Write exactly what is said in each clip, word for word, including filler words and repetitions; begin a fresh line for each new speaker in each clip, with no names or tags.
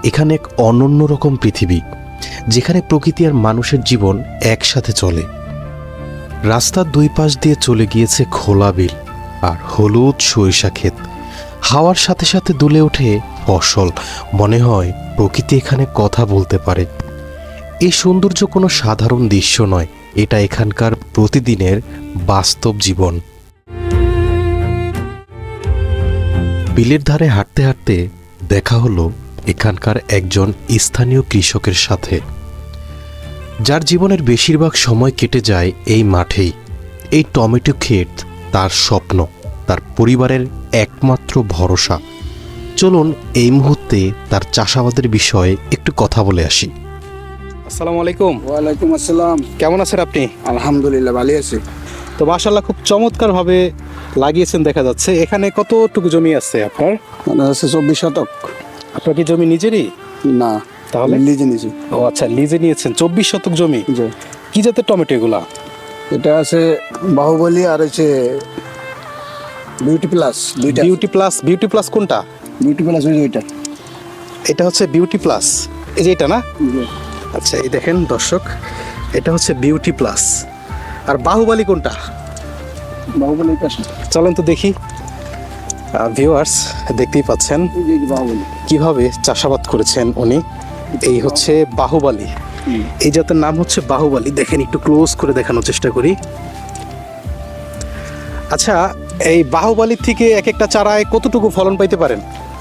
এখানে এক অনন্য রকম পৃথিবী, যেখানে প্রকৃতি আর মানুষের জীবন একসাথে চলে। রাস্তার দুই পাশ দিয়ে চলে গিয়েছে খোলা বিল আর হলুদ সরিষা ক্ষেত। হাওয়ার সাথে সাথে দুলে ওঠে ফসল। মনে হয় প্রকৃতি এখানে কথা বলতে পারে। এই সৌন্দর্য কোনো সাধারণ দৃশ্য নয়, এটা এখানকার প্রতিদিনের বাস্তব জীবন। বিলের ধারে হাঁটতে হাঁটতে দেখা হলো এখানকার একজন স্থানীয় কৃষকের সাথে, যার জীবনের বেশিরভাগ সময় কেটে যায় এই মাঠেই। এই টমেটো ক্ষেত তার স্বপ্ন, তার পরিবারের একমাত্র ভরসা। চলুন এই মুহূর্তে তার চাষাবাদের বিষয়ে একটু কথা বলে আসি।
আসসালামু আলাইকুম।
ওয়ালাইকুম আসসালাম।
কেমন আছেন আপনি?
আলহামদুলিল্লাহ ভালো আছি।
তো মাশাআল্লাহ খুব চমৎকারভাবে লাগিয়েছেন দেখা যাচ্ছে। এখানে কতটুকু জমি আছে আপনার?
মানে হচ্ছে চব্বিশ শতক।
আপনার কি জমি নিজেরই?
না,
তাহলে
লিজে নিয়েছি।
ও আচ্ছা, লিজে নিয়েছেন। চব্বিশ শতক জমি।
জি।
কি জাতের টমেটো এগুলা?
এটা আছে বাহুবলী আর হচ্ছে বিউটি প্লাস। দুইটা
বিউটি প্লাস। বিউটি প্লাস কোনটা?
বিউটি প্লাস ওই দুইটা।
এটা হচ্ছে বিউটি প্লাস, এই যে এটা না?
জি।
আচ্ছা, এই দেখেন দর্শক, এটা হচ্ছে বিউটি প্লাস। আর বাহুবলী কোনটা?
বাহুবলী পাশে।
চলেন তো দেখি। ভিউয়ার্স দেখতেই পাচ্ছেন
এই যে এই যে বাহুবলী।
কিভাবে চাষাবাদ করেছেন উনি। এই হচ্ছে বাহুবলী। এই জাতের নাম হচ্ছে বাহুবলী। দেখেন, একটু ক্লোজ করে দেখানোর চেষ্টা করি। আচ্ছা, এই বাহুবলীর থেকে এক একটা চারায় কতটুকু ফলন পাইতে পারেন?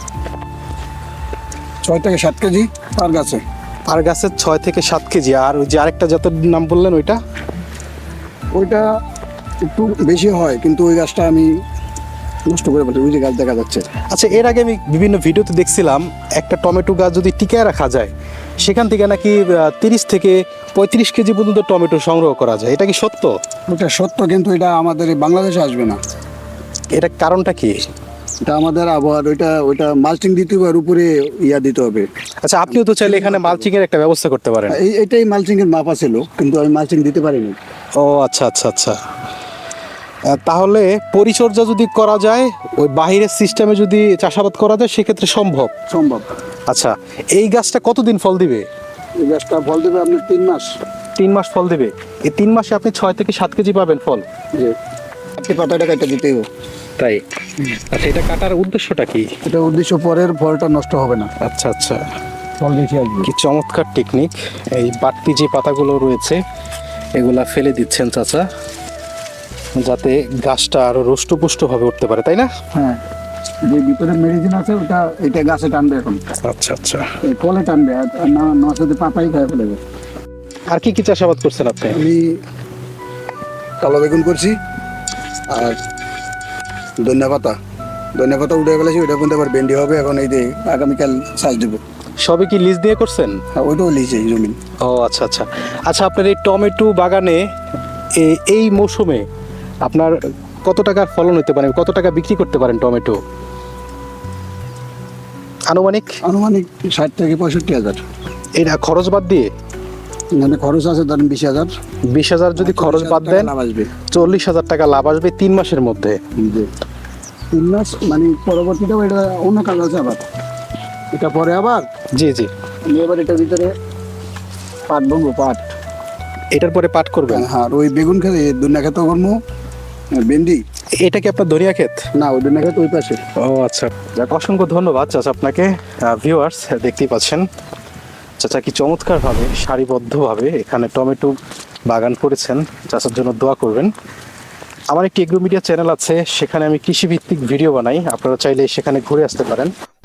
ছয় থেকে সাত কেজি পার গাছে।
আর গাছের ছয় থেকে সাত কেজি। আর ওই যে আরেকটা জাতের নাম বললেন ওইটা?
ওইটা একটু বেশি হয়, কিন্তু ওই গাছটা আমি নষ্ট করে ফেলছি। ওই যে গাছ দেখা যাচ্ছে।
আচ্ছা, এর আগে আমি বিভিন্ন ভিডিওতে দেখছিলাম একটা টমেটো গাছ যদি টিকায় রাখা যায়, সেখান থেকে নাকি তিরিশ থেকে পঁয়ত্রিশ কেজি পর্যন্ত টমেটো সংগ্রহ করা যায়। এটা কি সত্য?
ওটা সত্য, কিন্তু এটা আমাদের এই বাংলাদেশে আসবে না।
এটা কারণটা কি?
এটা আমাদের আবহাওয়ার, ওইটা ওইটা মাল্চিং দিতে হবে আর উপরে ইয়া দিতে হবে।
আচ্ছা, আপনিও তো চাইলে এখানে মালচিং এর একটা ব্যবস্থা করতে পারেন।
এই এটাই মালচিং এর মাপা ছিল, কিন্তু আমি মালচিং দিতে পারিনি।
ও আচ্ছা আচ্ছা আচ্ছা। আহ, তাহলে পরিচর্যা যদি করা যায়, ওই বাহিরের সিস্টেমে যদি চাষাবাদ করা যায়, সেক্ষেত্রে সম্ভব।
সম্ভব।
আচ্ছা, এই গাছটা কতদিন ফল দিবে?
এই গাছটা ফল দেবে আপনার তিন মাস।
তিন মাস ফল দিবে। এই তিন মাসে আপনি ছয় থেকে সাত কেজি পাবেন ফল।
যে আপনি পাতাটা কাটা দিতেই হবে।
তাই? আচ্ছা, এটা কাটার উদ্দেশ্যটা কি?
এটা উদ্দেশ্য পরের ফলটা নষ্ট হবে না,
আচ্ছা আচ্ছা,
ফল বেশি আসবে।
কি চমৎকার টেকনিক। এই বাড়তি যে পাতাগুলো রয়েছে এগুলা ফেলে দিচ্ছেন চাচা, যাতে গাছটা আরো রুষ্টপুষ্টভাবে উঠতে পারে, তাই না?
হ্যাঁ, যে ভিতরে মেডিসিন আছে ওটা এটা গাছে টানবে এখন।
আচ্ছা আচ্ছা।
এই ফলে টানবে, আর না না সাথে পাতাই খায় ফেলবে।
আর কি কি চাষাবাদ করছেন আপনি?
আমি কালো বেগুন করছি আর ধনিয়া পাতা। ধনিয়া পাতা উঠে ফেলেছি, ওইটা কিন্তু আবার ভেন্ডি হবে এখন। এই যে আগামীকাল সাজ দেবো।
সবই কি লিজ দিয়ে করছেন?
আর ওইটাও লিজে জমি।
ও আচ্ছা আচ্ছা। আচ্ছা, আপনার এই টমেটো বাগানে এ- এই মৌসুমে আপনার কত টাকার ফলন হতে পারে, কত টাকা বিক্রি করতে পারেন টমেটো আনুমানিক?
আনুমানিক ষাট থেকে পঁয়ষট্টি হাজার।
এটা খরচ বাদ দিয়ে?
মানে খরচ আছে ধরেন বিশ হাজার।
বিশ হাজার যদি খরচ বাদ দেন,
লাভ আসবে
চল্লিশ হাজার টাকা লাভ আসবে তিন মাসের মধ্যে।
যে তিন মাস মানে পরবর্তীটাও এটা অন্য কাজ আছে আবার। এটা পরে আবার
জি জি।
আমি এবার এটার ভিতরে পাট বলবো, পাট।
এটার পরে পাট করবেন?
হ্যাঁ, আর ওই বেগুন খেতে দুনিয়া খেতে করবো, ভেন্ডি।
এটা কি আপনার ধনিয়া ক্ষেত?
না, ওই দুনিয়া খেতে ওই পাশে।
ও আচ্ছা। যাক, অসংখ্য ধন্যবাদ চাচা আপনাকে। ভিউয়ার্স দেখতেই পাচ্ছেন চাচা কি চমৎকারভাবে সারিবদ্ধভাবে এখানে টমেটো বাগান করেছেন। চাচার জন্য দোয়া করবেন। আমার একটি এগ্রো মিডিয়া চ্যানেল আছে, সেখানে আমি কৃষিভিত্তিক ভিডিও বানাই। আপনারা চাইলে সেখানে ঘুরে আসতে পারেন।